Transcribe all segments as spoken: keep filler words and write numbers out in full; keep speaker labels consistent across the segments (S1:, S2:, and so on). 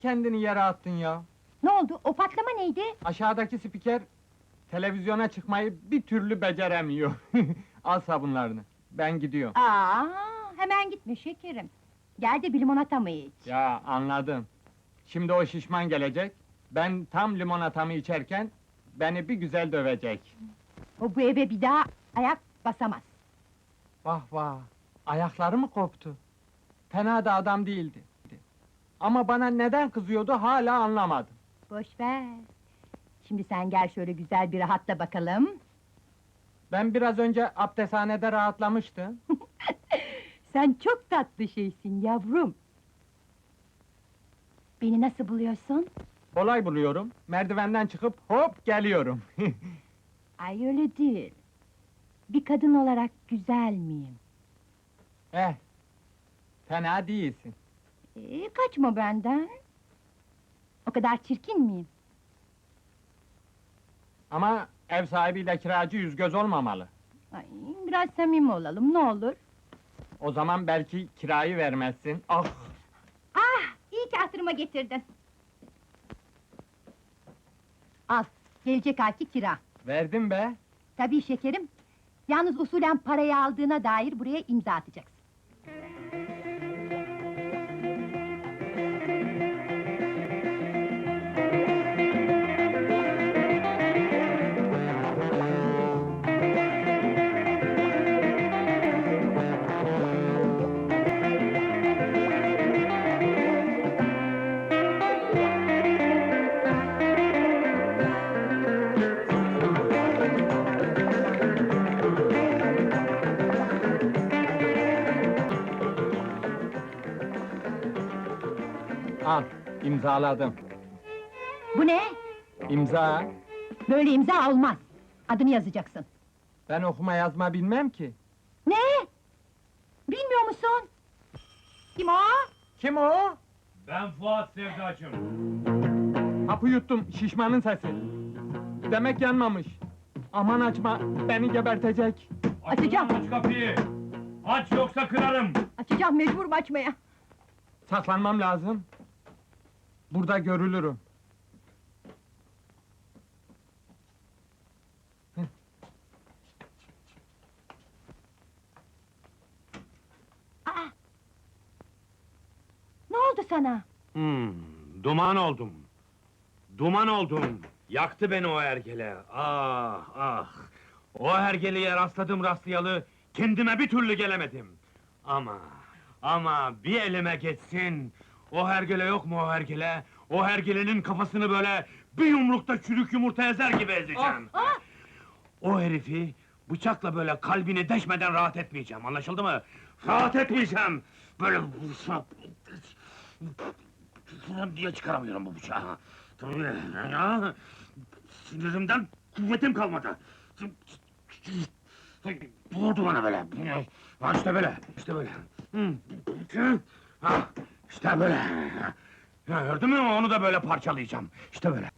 S1: kendini yere attın ya?
S2: Ne oldu? O patlama neydi?
S1: Aşağıdaki spiker televizyona çıkmayı bir türlü beceremiyor. Al sabunlarını. Ben gidiyorum.
S2: Aa, hemen gitme şekerim. Gel de bir limonata mı iç?
S1: Ya anladım. Şimdi o şişman gelecek. Ben tam limonatamı içerken beni bir güzel dövecek.
S2: O bu eve bir daha ayak basamaz.
S1: Vah vah! Ayakları mı koptu? Fena da adam değildi. Ama bana neden kızıyordu hala anlamadım.
S2: Boş ver. Şimdi sen gel şöyle güzel bir rahatla bakalım.
S1: Ben biraz önce abdesthanede rahatlamıştım.
S2: Sen çok tatlı şeysin yavrum. Beni nasıl buluyorsun?
S1: Kolay buluyorum. Merdivenden çıkıp hop geliyorum.
S2: Ay öyle değil. Bir kadın olarak güzel miyim?
S1: eh, fena değilsin.
S2: Ee, kaçma benden. O kadar çirkin miyim?
S1: Ama ev sahibiyle kiracı yüz göz olmamalı.
S2: Ay, biraz samimi olalım, ne olur.
S1: O zaman belki kirayı vermezsin. Ah!
S2: Ah, iyi ki hatırıma getirdin. Al, gelecek ayki kira.
S1: Verdim be!
S2: Tabii şekerim. Yalnız usulen parayı aldığına dair buraya imza atacaksın.
S1: Al, imzaladım.
S2: Bu ne?
S1: İmza!
S2: Böyle imza olmaz. Adını yazacaksın.
S1: Ben okuma yazma bilmem ki.
S2: Ne? Bilmiyor musun? Kim o?
S1: Kim o?
S3: Ben Fuat Sevdacım.
S1: Hapı yuttum, şişmanın sesi. Demek yanmamış. Aman açma, beni gebertecek.
S2: Açacağım.
S3: Aç kapıyı! Aç yoksa kırarım!
S2: Açacağım, mecburum açmaya.
S1: Saklanmam lazım. Burada görülürüm.
S2: Aa! Ne oldu sana?
S3: Hmm, duman oldum. Duman oldum. Yaktı beni o hergele. Ah, ah! O hergeleye rastladım rastlayalı, kendime bir türlü gelemedim. Ama, ama bir elime geçsin... O hergele yok mu o hergele? O hergelenin kafasını böyle bir yumrukta çürük yumurta ezer gibi ezeceğim.
S2: Ah!
S3: O herifi bıçakla böyle kalbini deşmeden rahat etmeyeceğim, anlaşıldı mı? Rahat etmeyeceğim! Böyle vursam... diye çıkaramıyorum bu bıçağı. Tabii ya! Sinirimden kuvvetim kalmadı. Vurdu bana böyle. Ha işte böyle, işte böyle. Ha, işte böyle. Ya gördün mü, onu da böyle parçalayacağım. İşte böyle.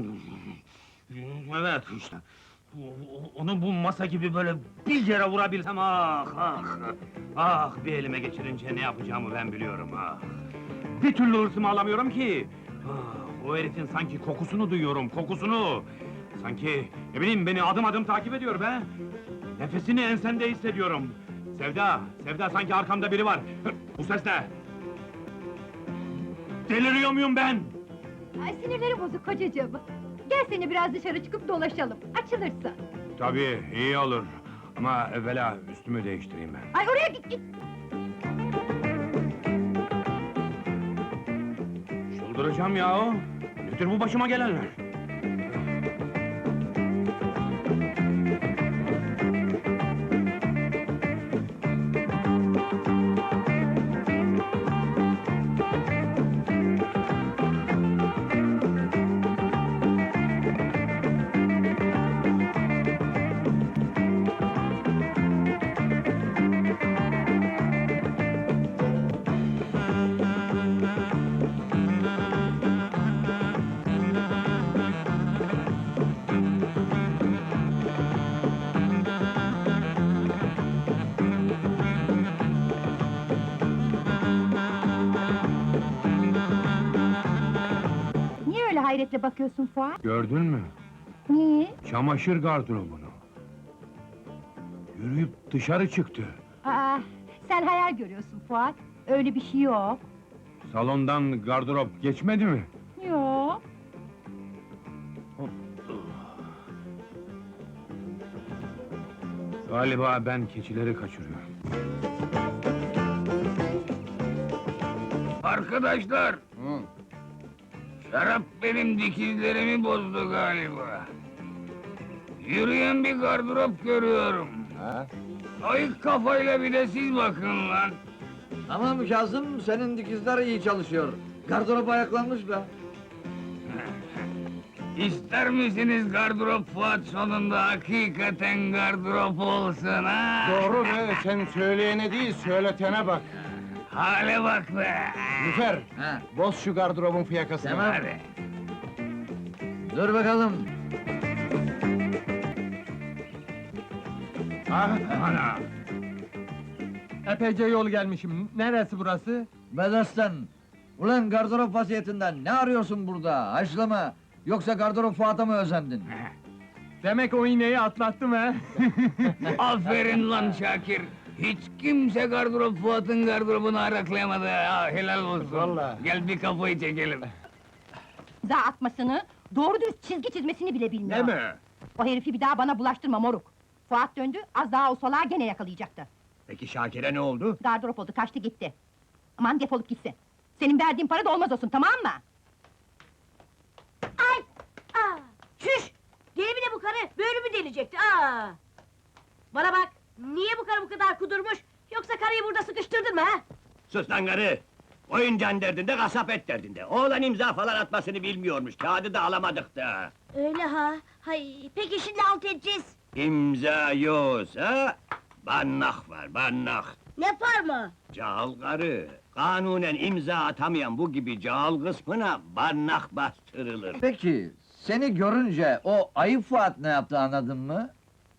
S3: Evet işte. Onu bu masa gibi böyle bir yere vurabilsem, ah ah! Ah, bir elime geçirince ne yapacağımı ben biliyorum, ah! Bir türlü hırsımı alamıyorum ki! Ah, o herifin sanki kokusunu duyuyorum, kokusunu! Sanki, ne bileyim, beni adım adım takip ediyor be! Nefesini ensemde hissediyorum! Sevda, Sevda, sanki arkamda biri var! Bu ses ne? Deliriyor muyum ben?
S2: Ay, sinirlerim bozuk kocacığım. Gel seni biraz dışarı çıkıp dolaşalım, açılırsın.
S3: Tabii, iyi olur. Ama evvela üstümü değiştireyim ben.
S2: Ay, oraya git, git!
S3: Çıldıracağım ya! Nedir bu başıma gelenler?
S2: öyle hayretle bakıyorsun Fuat?
S3: Gördün mü?
S2: Niye?
S3: Çamaşır gardırobunu. Yürüyüp dışarı çıktı.
S2: Aa, sen hayal görüyorsun Fuat. Öyle bir şey yok.
S3: Salondan gardırop geçmedi mi?
S2: Yok.
S3: Galiba ben keçileri kaçırıyorum.
S4: Arkadaşlar! Şarap benim dikizlerimi bozdu galiba. Yürüyen bir gardırop görüyorum. Ayık kafayla bir de siz bakın lan!
S5: Tamam Kazım, senin dikizler iyi çalışıyor. Gardırop ayaklanmış be.
S4: İster misiniz gardırop Fuat sonunda hakikaten gardırop olsun ha?
S6: Doğru be, sen söyleyene değil, söyletene bak.
S4: Hale bak be!
S6: Lüfer,
S5: Ha,
S6: boz şu gardırobun fiyakasını.
S5: Tamam.
S4: Hadi!
S5: dur bakalım.
S6: Ha?
S4: Ana!
S1: Epeyce yol gelmişim. Neresi burası?
S5: Bedastan, ulan gardırop vaziyetinden ne arıyorsun burada? Haşlama! Yoksa gardırop Fuat'a mı özendin?
S1: Demek o iğneyi atlattım he.
S4: Aferin lan Şakir! Hiç kimse gardırop Fuat'ın gardırobunu araklayamadı ha, helal olsun!
S6: Vallahi.
S4: Gel bir kafayı çekelim!
S2: İmza atmasını, doğru dürüst çizgi çizmesini bile bilmiyor.
S4: Değil mi?
S2: O herifi bir daha bana bulaştırma moruk. Fuat döndü, az daha o salağı gene yakalayacaktı.
S4: Peki Şakir'e ne oldu?
S2: Gardırop oldu, kaçtı gitti. Aman defolup gitsin. Senin verdiğin para da olmaz olsun, tamam mı?
S7: Ay! Aa! Çüş! Gene mi de bu karı? Böğrümü delecekti, aa! Bana bak, niye bu karı bu kadar kudurmuş? Yoksa karıyı burada sıkıştırdın mı ha?
S8: Sus lan karı! Oyuncağın derdinde, kasap et derdinde. Oğlan imza falan atmasını bilmiyormuş, kağıdı da alamadık da.
S7: Öyle ha? Hay, peki şimdi alt edeceğiz.
S8: İmza yoksa, bannak var, bannak.
S7: Ne par mı?
S8: Cahil karı, kanunen imza atamayan bu gibi cahil kısmına bannak bastırılır.
S5: Peki, seni görünce o ayıp Fuat ne yaptı anladın mı?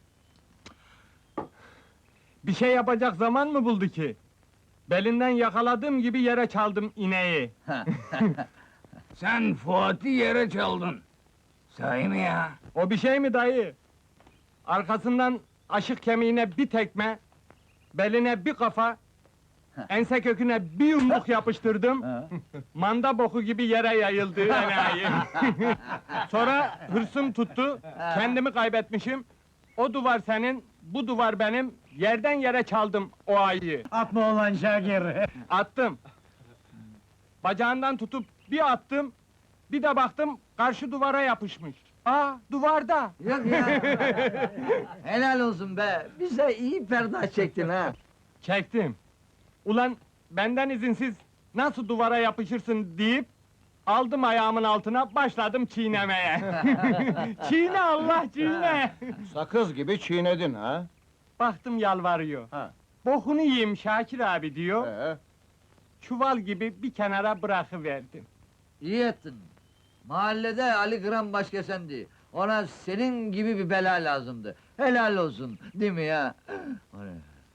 S1: Bir şey yapacak zaman mı buldu ki? Belinden yakaladığım gibi yere çaldım ineği.
S4: Sen Fuat'ı yere çaldın! Sahi mi ya?
S1: O bir şey mi dayı? Arkasından aşık kemiğine bir tekme, beline bir kafa, ense köküne bir yumruk yapıştırdım.
S5: Ha?
S1: Manda boku gibi yere yayıldı enayi. Sonra hırsım tuttu, kendimi kaybetmişim. O duvar senin, bu duvar benim, yerden yere çaldım o ayıyı.
S6: Atma olan Şakir.
S1: Attım. Bacağından tutup bir attım, bir de baktım karşı duvara yapışmış. Aa, duvarda!
S5: Yok ya! Helal olsun be! Bize iyi perde çektin ha!
S1: Çektim. Ulan benden izinsiz nasıl duvara yapışırsın deyip aldım ayağımın altına başladım çiğnemeye. Çiğne Allah çiğne.
S6: Sakız gibi çiğnedin ha?
S1: Baktım yalvarıyor.
S6: Ha.
S1: Bokunu yiyeyim Şakir abi diyor.
S6: Ee,
S1: Çuval gibi bir kenara bırakıverdim.
S5: İyi ettin! Mahallede Ali Kıran başkesendi. Ona senin gibi bir bela lazımdı. Helal olsun, değil mi ya? O ne?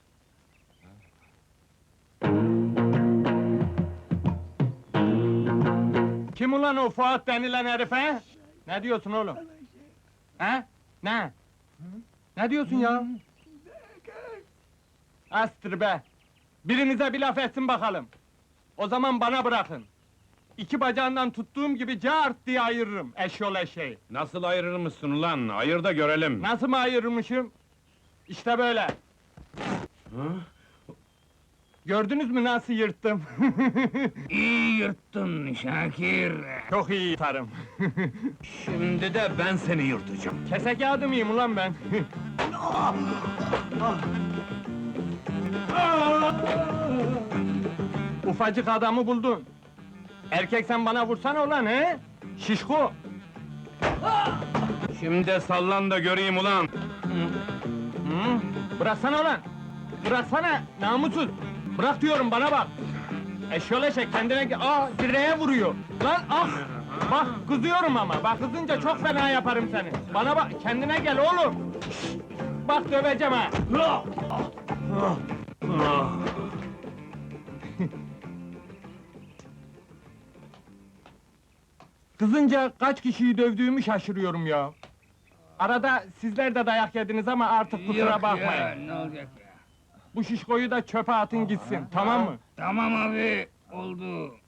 S1: Kim ulan o Fuat denilen herife? Ne diyorsun oğlum? He? Ne? Ne diyorsun ya? Astır be! Birinize bir laf etsin bakalım. O zaman bana bırakın. İki bacağından tuttuğum gibi cart diye ayırırım eşyol eşeği.
S3: Nasıl ayırır mısın ulan? Ayır da görelim.
S1: Nasıl mı ayırmışım? İşte böyle. Gördünüz mü nasıl yırttım?
S4: İyi yırttın Şakir!
S1: Çok iyi yırtarım.
S3: Şimdi de ben seni yırtacağım.
S1: Kese kağıdı mıyım ulan ben? Ufacık adamı buldun. Erkek sen bana vursana ulan he? Şişko!
S3: Şimdi de sallan da göreyim ulan.
S1: Hı? Bıraksana ulan! Bıraksana namussuz! Bırak diyorum bana bak! Eşyol eşek kendine ge- aa direğe vuruyor! Lan ah! Bak kızıyorum ama bak kızınca çok fena yaparım seni! Bana bak kendine gel oğlum! Şşt! Bak döveceğim ha! Kızınca kaç kişiyi dövdüğümü şaşırıyorum ya. Arada sizler de dayak yediniz ama artık kusura
S4: Yok
S1: bakmayın.
S4: ya, ne olacak ya?
S1: Bu şişkoyu da çöpe atın gitsin, tamam mı?
S4: Tamam abi, oldu.